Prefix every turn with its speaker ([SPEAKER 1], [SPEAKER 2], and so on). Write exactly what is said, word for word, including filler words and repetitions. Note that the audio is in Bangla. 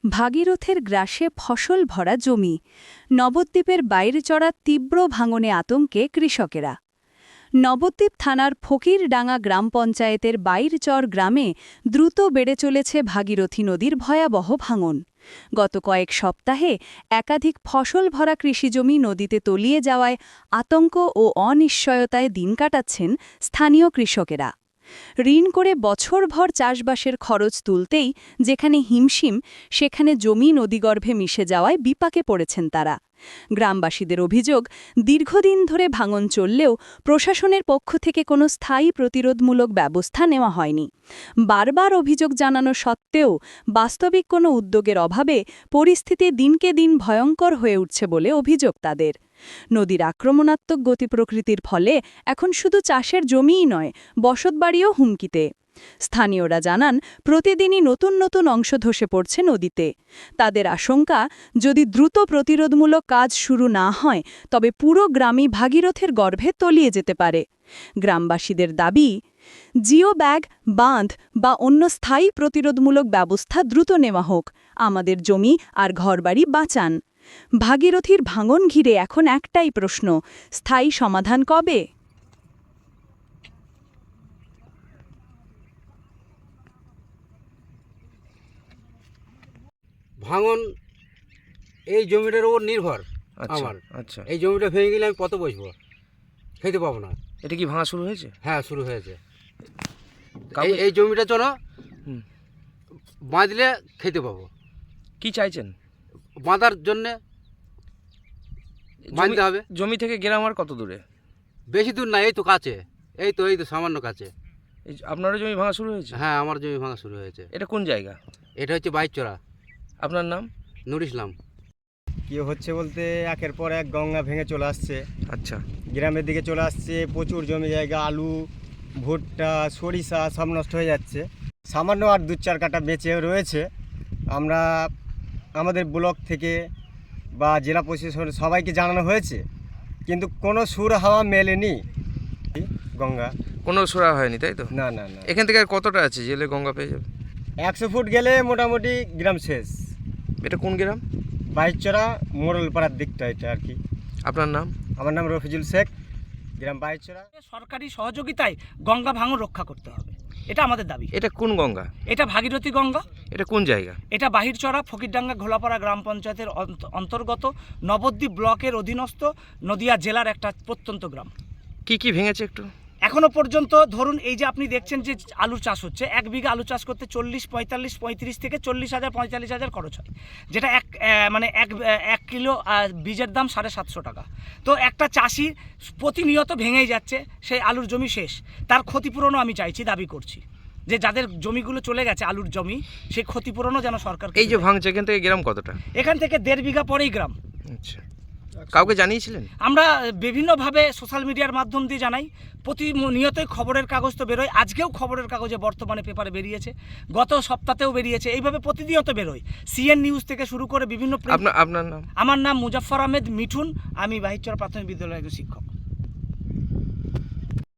[SPEAKER 1] ভাগীরথের গ্রাসে ফসল ভরা জমি, নবদ্বীপের বাইরে চড়া তীব্র ভাঙনে আতঙ্কে কৃষকেরা। নবদ্বীপ থানার ফকিরডাঙ্গা গ্রাম পঞ্চায়েতের বাইরচর গ্রামে দ্রুত বেড়ে চলেছে ভাগীরথী নদীর ভয়াবহ ভাঙন। গত কয়েক সপ্তাহে একাধিক ফসল ভরা কৃষিজমি নদীতে তলিয়ে যাওয়ায় আতঙ্ক ও অনিশ্চয়তায় দিন কাটাচ্ছেন স্থানীয় কৃষকেরা। ঋণ করে বছরভর চাষবাসের খরচ তুলতেই যেখানে হিমশিম, সেখানে জমি নদীগর্ভে মিশে যাওয়ায় বিপাকে পড়েছেন তারা। গ্রামবাসীদের অভিযোগ, দীর্ঘদিন ধরে ভাঙন চললেও প্রশাসনের পক্ষ থেকে কোনো স্থায়ী প্রতিরোধমূলক ব্যবস্থা নেওয়া হয়নি। বারবার অভিযোগ জানানো সত্ত্বেও বাস্তবিক কোনো উদ্যোগের অভাবে পরিস্থিতি দিনকে দিন ভয়ঙ্কর হয়ে উঠছে বলে অভিযোগ তাদের। নদীর আক্রমণাত্মক গতি প্রকৃতির ফলে এখন শুধু চাষের জমিই নয়, বসতবাড়িও হুমকিতে। স্থানীয়রা জানান, প্রতিদিনই নতুন নতুন অংশ ধসে পড়ছে নদীতে। তাদের আশঙ্কা, যদি দ্রুত প্রতিরোধমূলক কাজ শুরু না হয় তবে পুরো গ্রামই ভাগীরথের গর্ভে তলিয়ে যেতে পারে। গ্রামবাসীদের দাবি, জিও ব্যাগ, বাঁধ বা অন্য স্থায়ী প্রতিরোধমূলক ব্যবস্থা দ্রুত নেওয়া হোক, আমাদের জমি আর ঘরবাড়ি বাঁচান। ভাগীরথীর ভাঙন ঘিরে এখন একটাই প্রশ্ন, স্থায়ী সমাধান কবে?
[SPEAKER 2] ভাঙন এই জমিটার উপর নির্ভর আমার।
[SPEAKER 3] আচ্ছা,
[SPEAKER 2] এই জমিটা ভেঙে গেলে আমি কত বসবো, খেতে পাবো না।
[SPEAKER 3] এটা কি ভাঙা শুরু হয়েছে?
[SPEAKER 2] হ্যাঁ, শুরু হয়েছে।
[SPEAKER 3] কাউকে-
[SPEAKER 2] এই- এই জমিটা চলো
[SPEAKER 3] হুম।
[SPEAKER 2] বাঁধলে খেতে পাবো।
[SPEAKER 3] কি চাইছেন?
[SPEAKER 2] বাঁধার জন্যে বাঁধতে হবে।
[SPEAKER 3] জমি থেকে গ্রাম আর কত দূরে?
[SPEAKER 2] বেশি দূর না, এই তো কাছে, এই তো এই তো সামান্য কাছে।
[SPEAKER 3] এই যে আপনারও জমি ভাঙা শুরু হয়েছে?
[SPEAKER 2] হ্যাঁ, আমার জমি ভাঙা শুরু হয়েছে।
[SPEAKER 3] এটা কোন জায়গা?
[SPEAKER 2] এটা হচ্ছে বাইচরা।
[SPEAKER 3] আপনার নাম?
[SPEAKER 2] নুর ইসলাম।
[SPEAKER 4] কী হচ্ছে বলতে, একের পর এক গঙ্গা ভেঙে চলে আসছে,
[SPEAKER 3] আচ্ছা,
[SPEAKER 4] গ্রামের দিকে চলে আসছে। প্রচুর জমি জায়গা, আলু, ভুট্টা, সরিষা সব নষ্ট হয়ে যাচ্ছে। সামান্য আর দু চার কাটা বেঁচে রয়েছে। আমরা আমাদের ব্লক থেকে বা জেলা প্রশাসন সবাইকে জানানো হয়েছে, কিন্তু কোনো সুর হাওয়া মেলেনি গঙ্গা।
[SPEAKER 3] কোনো সুরা হয়নি, তাই তো?
[SPEAKER 4] না না না,
[SPEAKER 3] এখান থেকে আর কতটা আছে জেলে গঙ্গা পেয়ে যাবে?
[SPEAKER 4] একশো ফুট গেলে মোটামুটি গ্রাম শেষ।
[SPEAKER 3] এটা কোন গ্রাম?
[SPEAKER 4] বাইচরা মোড়লপাড়ার দিকটা এটা আর কি।
[SPEAKER 3] আপনার নাম?
[SPEAKER 4] আমার নাম রফিজুল শেখ, গ্রাম বাইচরা।
[SPEAKER 5] সরকারি সহযোগিতায় গঙ্গা ভাঙন রক্ষা করতে হবে, এটা আমাদের দাবি।
[SPEAKER 3] এটা কোন গঙ্গা?
[SPEAKER 5] এটা ভাগীরথী গঙ্গা।
[SPEAKER 3] এটা কোন জায়গা?
[SPEAKER 5] এটা বাহিরচড়া ফকিরডাঙ্গা ঘোলাপাড়া গ্রাম পঞ্চায়েতের অন্ত- অন্তর্গত নবদ্বীপ ব্লকের অধীনস্থ নদিয়া জেলার একটা প্রত্যন্ত গ্রাম।
[SPEAKER 3] কি কি ভেঙেছে একটু?
[SPEAKER 5] এখনো পর্যন্ত ধরুন, এই যে আপনি দেখছেন যে আলুর চাষ হচ্ছে, এক বিঘা আলু চাষ করতে চল্লিশ পঁয়তাল্লিশ পঁয়ত্রিশ থেকে চল্লিশ হাজার পঁয়তাল্লিশ হাজার খরচ হয়, যেটা এক আহ, মানে এক এক কিলো আহ, বীজের দাম সাড়ে সাতশো টাকা। তো একটা চাষি প্রতিনিয়ত ভেঙেই যাচ্ছে, সেই আলুর জমি শেষ। তার ক্ষতিপূরণও আমি চাইছি, দাবি করছি যে যাদের জমিগুলো চলে গেছে আলুর জমি, সেই ক্ষতিপূরণও যেন সরকার।
[SPEAKER 3] এই যে ভাঙছে, এখান থেকে গ্রাম কতটা?
[SPEAKER 5] এখান থেকে দেড় বিঘা পরেই গ্রাম।
[SPEAKER 3] আচ্ছা, কাউকে জানিয়েছিলেন?
[SPEAKER 5] আমরা বিভিন্নভাবে সোশ্যাল মিডিয়ার মাধ্যম দিয়ে জানাই, প্রতিনিয়তই খবরের কাগজ তো বেরোয়, আজকেও খবরের কাগজে বর্তমানে পেপারে বেরিয়েছে, গত সপ্তাহেও বেরিয়েছে, এইভাবে প্রতিনিয়ত বেরোয়, সিএন নিউজ থেকে শুরু করে বিভিন্ন।
[SPEAKER 3] আপনার আপনার নাম?
[SPEAKER 5] আমার নাম মুজাফফর আহমেদ মিঠুন, আমি বাহিরচর প্রাথমিক বিদ্যালয়ের একজন শিক্ষক।